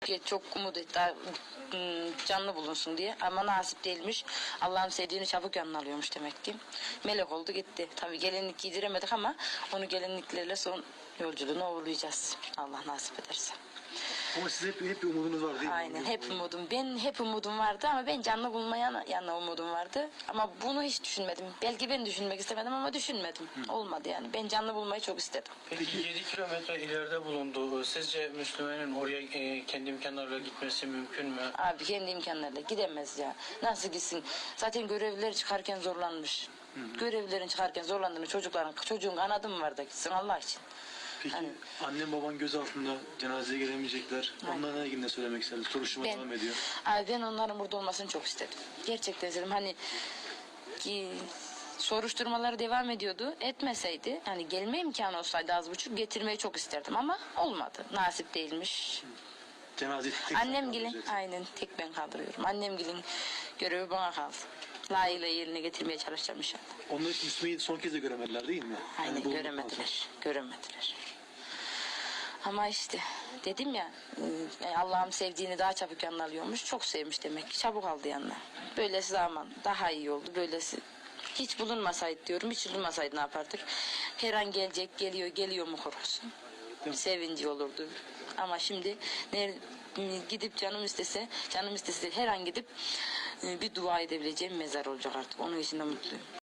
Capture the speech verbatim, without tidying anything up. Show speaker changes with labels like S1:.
S1: Ki çok umut etti canlı bulunsun diye ama nasip değilmiş. Allah'ın sevdiğini çabuk yanına alıyormuş demek ki. Melek oldu gitti. Tabii gelinlik giydiremedik ama onu gelinliklerle son yolculuğuna uğurlayacağız. Allah nasip ederse.
S2: Ama siz hep, hep bir umudunuz var değil mi?
S1: Aynen hep umudum. Ben hep umudum vardı ama ben canlı bulmaya yana umudum vardı. Ama bunu hiç düşünmedim. Belki ben düşünmek istemedim ama düşünmedim. Hı. Olmadı yani. Ben canlı bulmayı çok istedim.
S3: Peki yedi kilometre ileride bulundu. Sizce Müslümanın oraya e, kendi imkanlarıyla gitmesi mümkün mü?
S1: Abi kendi imkanlarıyla gidemez ya. Nasıl gitsin? Zaten görevliler çıkarken zorlanmış. Hı. Görevlilerin çıkarken zorlandığını çocukların, çocuğun kanadı mı var da gitsin Allah için.
S2: Peki
S1: hani,
S2: annem baban göz altında cenazeye gelemeyecekler. Onlarla ilgili ne söylemek istediniz? Soruşturma
S1: ben,
S2: devam ediyor.
S1: Abi ben onların burada olmasını çok istedim. Gerçekten istedim. Hani ki soruşturmaları devam ediyordu. Etmeseydi hani gelme imkanı olsaydı az buçuk getirmeyi çok isterdim ama olmadı. Nasip değilmiş.
S2: Cenazeyi tek
S1: Annem gelin aynen tek ben kaldırıyorum. Annem gelin görevi bana kaldı. Layığıyla yerine getirmeye çalışacağım inşallah.
S2: Onlar hiç Müslüman'ı son kez de göremediler değil mi?
S1: Aynen
S2: yani
S1: göremediler. Göremediler. Ama işte dedim ya Allah'ın sevdiğini daha çabuk yanına alıyormuş. Çok sevmiş demek ki çabuk aldı yanına. Böylesi zaman daha iyi oldu. Böylesi hiç bulunmasaydı diyorum. Hiç bulunmasaydı ne yapardık? Her an gelecek geliyor geliyor mu korusun. Sevinci olurdu. Ama şimdi nerede gidip canım istese, canım istese her an gidip bir dua edebileceğim mezar olacak artık. Onun için de mutluyum.